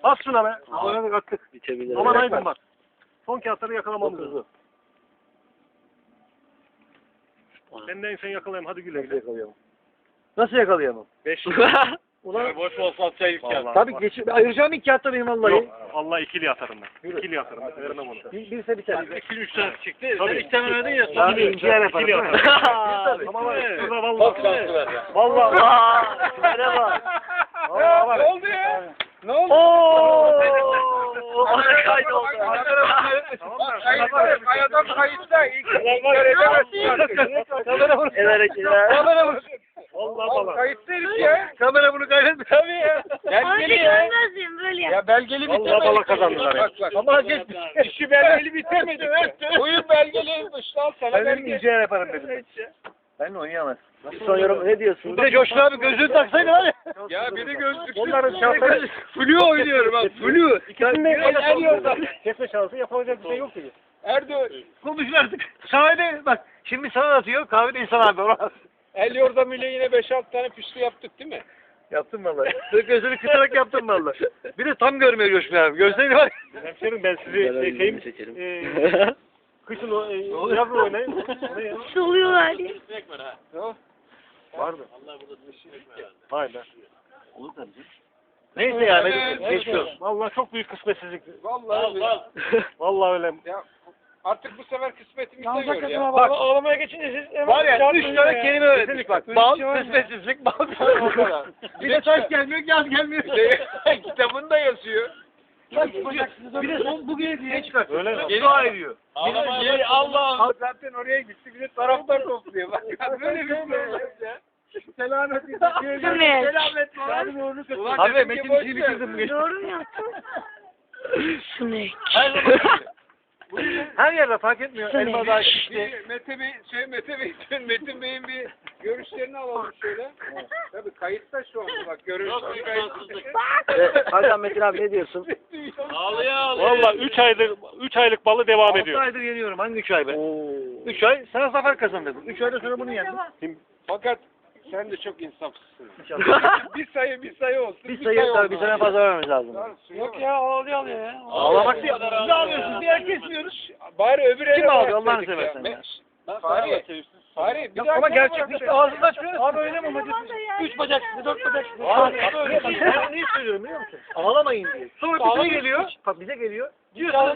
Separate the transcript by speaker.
Speaker 1: Bas şuna be. Oynadık attık.
Speaker 2: Bitebilir.
Speaker 1: Aman Aydın bak. Son kağıtları yakalamamız lazım. Ben de en sen yakalayayım. Hadi güle güle.
Speaker 2: Nasıl yakalayamam?
Speaker 1: 5.
Speaker 2: Ulan
Speaker 1: Boş olsa atacağım ilk kağıt.
Speaker 2: tabii ayıracağım ilk kağıtta benim vallahi.
Speaker 1: Yok. Allah ikili atarım ben. İkili atarım. Vermem onu.
Speaker 2: Birse biter.
Speaker 1: 2-3 tane çıktı.
Speaker 2: Tabii.
Speaker 1: Sen 2 tane verdin ya.
Speaker 2: Daha
Speaker 1: İkili
Speaker 2: ikinci yer yaparım.
Speaker 1: İkili atarım. Ama var ya. Şurada vallahi. Vallahi.
Speaker 2: Merhaba.
Speaker 1: Ne oldu ya?
Speaker 2: Ne oldu? Ooo. Ana kaydı oldu.
Speaker 3: Kayadan kayıtta ilk kere edemezsin.
Speaker 2: Kamera bunu. El hareketler. Kamera bunu.
Speaker 1: Vallahi vallahi.
Speaker 3: Kayıtta herif ya.
Speaker 2: Kamera bunu kaydetme. Tabii ya.
Speaker 3: Belgeli ya.
Speaker 4: Görmezdim böyle yap.
Speaker 3: Ya belgeli
Speaker 1: Vallahi
Speaker 3: bitemedi.
Speaker 1: bala kazandılar ya.
Speaker 3: Bak.
Speaker 2: Ama hak etmiş.
Speaker 3: İşi belgeli bitemedi. Oyun belgeliymiş lan sana
Speaker 2: Ben dedim
Speaker 3: belgeli.
Speaker 2: ince yaparım dedim. Ben oynayamaz. Son yorum ne diyorsun? Bir de Coşkun abi gözlüğünü taksaydı var ya.
Speaker 3: Ya biri gözlüksüz.
Speaker 1: Onların şansları.
Speaker 3: Flu oynuyorum bak. Flu.
Speaker 1: İkisinde
Speaker 3: El yolda.
Speaker 1: kesme şansı yapabilecek bir şey yok ki.
Speaker 3: Erdo.
Speaker 2: Konuşun artık. Kahvede bak şimdi sana atıyor kahvede insan abi ona.
Speaker 3: El yordam ile yine 5-6 tane püslü yaptık değil mi?
Speaker 2: Yaptım vallahi. Gözünü kısarak yaptım vallahi. Bir de tam görmüyor Coşkun abi. Gözleri var.
Speaker 1: Hemşerim ben sizi şeyim kışın yazın oynayın. Ne ya?
Speaker 4: Soluyorlar ya.
Speaker 1: Vardı. Haydi.
Speaker 2: Olur tabii. Neyse yani geçiyoruz.
Speaker 1: Vallahi çok büyük kısmetsizlik.
Speaker 3: Vallahi.
Speaker 1: Vallahi öyle.
Speaker 3: Ya artık bu sefer kısmetimize göre ya.
Speaker 1: Bak ağlamaya geçince siz
Speaker 2: Var ya 3 tane kelime öğrettik bak. Bal, kısmetsizlik, bal. Bir de taş gelmiyor, yaz gelmiyor.
Speaker 3: Kitabında yazıyor.
Speaker 2: Bir de son bugün diye çıkartıyor.
Speaker 1: Öyle mi?
Speaker 2: Yeni ayırıyor.
Speaker 3: Allah zaten oraya gitti. Bir de taraftar topluyor. Bak böyle bir şey olmaz ya. Selamet
Speaker 2: Abi Metin işini bitirdim.
Speaker 4: Doğru mu yaptın? Sinek.
Speaker 2: Her yerde fark etmiyor.
Speaker 4: Söyle.
Speaker 2: Elma daha işte.
Speaker 3: Metin Bey'in bir görüşlerini alalım şöyle. Tabii kayıtta şu anda bak görüşleri kayıtta.
Speaker 2: Hakan Metin abi ne diyorsun?
Speaker 1: Vallahi 3 aylık balı devam
Speaker 2: 6
Speaker 1: ediyor.
Speaker 2: aydır yeniyorum. Hangi 3 ay be? 3 ay sana zafer kazandırdım. 3 ayda sonra bunu yendim.
Speaker 3: Fakat sen de çok insafsızsın.
Speaker 2: İnşallah.
Speaker 3: bir sayı olsun.
Speaker 2: Bir sayı tabii bir sene fazla vermemiz lazım.
Speaker 3: Yok ya ağlıyor ya.
Speaker 2: Ağlamak değil. Biz ağlıyorsunuz. Diğer kesmiyoruz.
Speaker 3: Bari öbür ele
Speaker 2: Kim ağlıyor
Speaker 3: bak
Speaker 2: Allah'ını
Speaker 3: dedik ya.
Speaker 2: seversen ya.
Speaker 3: Fahri bir
Speaker 2: Yok
Speaker 3: daha
Speaker 2: ama
Speaker 3: sana
Speaker 2: gerçek
Speaker 3: bırak.
Speaker 2: işte ağzını açmıyoruz. Abi öyle mi?
Speaker 4: Tamam da yani.
Speaker 2: 3 bacak size 4 bacak size. Ben niye söylüyorum biliyor musun? Ağlamayın diye. Sonra bize geliyor. Bak bize geliyor. Diyorsunuz